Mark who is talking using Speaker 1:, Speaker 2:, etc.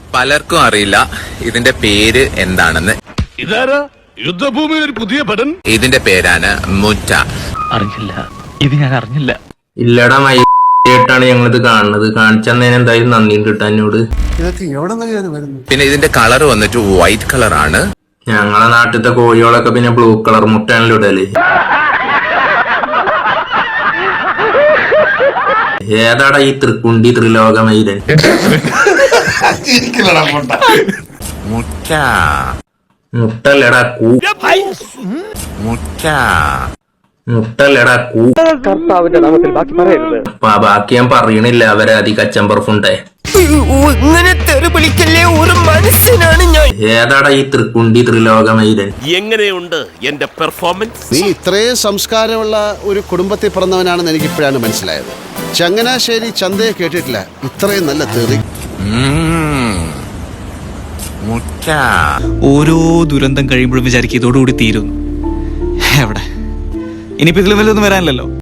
Speaker 1: പലർക്കും അറിയില്ല ഇതിന്റെ പേര് എന്താണെന്ന്.
Speaker 2: ഇതാരാ യുദ്ധഭൂമിയിൽ ഒരു പുതിയ പടൻ?
Speaker 1: ഇതിന്റെ പേരാണ് മുറ്റ.
Speaker 3: അറിഞ്ഞില്ല, ഇത് ഞാൻ അറിഞ്ഞില്ല.
Speaker 4: ഇല്ലടാ മൈട്ടാണ് ഞങ്ങളിത് കാണുന്നത്. കാണിച്ചന്നേന് എന്തായാലും നന്ദിയുണ്ട് കേട്ടോ എന്നോട്.
Speaker 1: പിന്നെ ഇതിന്റെ കളർ വന്നിട്ട് വൈറ്റ് കളറാണ്.
Speaker 4: ഞങ്ങളെ നാട്ടിലത്തെ കോഴികളൊക്കെ പിന്നെ ബ്ലൂ കളർ മുട്ടയാണല്ലോ ഇടല്. ഏതാടാ ഈ തൃക്കുണ്ടി ത്രിലോകമൈരൻ?
Speaker 1: മുറ്റ
Speaker 4: മുട്ടല്ലടാ കൂ.
Speaker 1: മുറ്റ
Speaker 4: മുട്ടല്ലടാ കൂ. ബാക്കി ഞാൻ പറയണില്ല, അവരെ അതി കച്ചമ്പർഫുണ്ടേ. ഏതാടാ ഈ തൃക്കുണ്ടി ത്രിലോകമൈരൻ?
Speaker 2: എങ്ങനെയുണ്ട് എന്റെ പെർഫോമൻസ്?
Speaker 5: നീ ഇത്രയും സംസ്കാരമുള്ള ഒരു കുടുംബത്തിൽ പിറന്നവനാണെന്ന് എനിക്ക് ഇപ്പോഴാണ് മനസ്സിലായത്. ചങ്ങനാശ്ശേരി ചന്തയെ കേട്ടിട്ടില്ല ഇത്രയും നല്ല തെറി.
Speaker 1: മുറ്റ.
Speaker 6: ഓരോ ദുരന്തം കഴിയുമ്പോഴും വിചാരിക്കും ഇതോടുകൂടി തീരുന്നു. എവിടെ ഇനിയിപ്പോ ഇതിലും വല്ലതൊന്നും വരാനില്ലല്ലോ.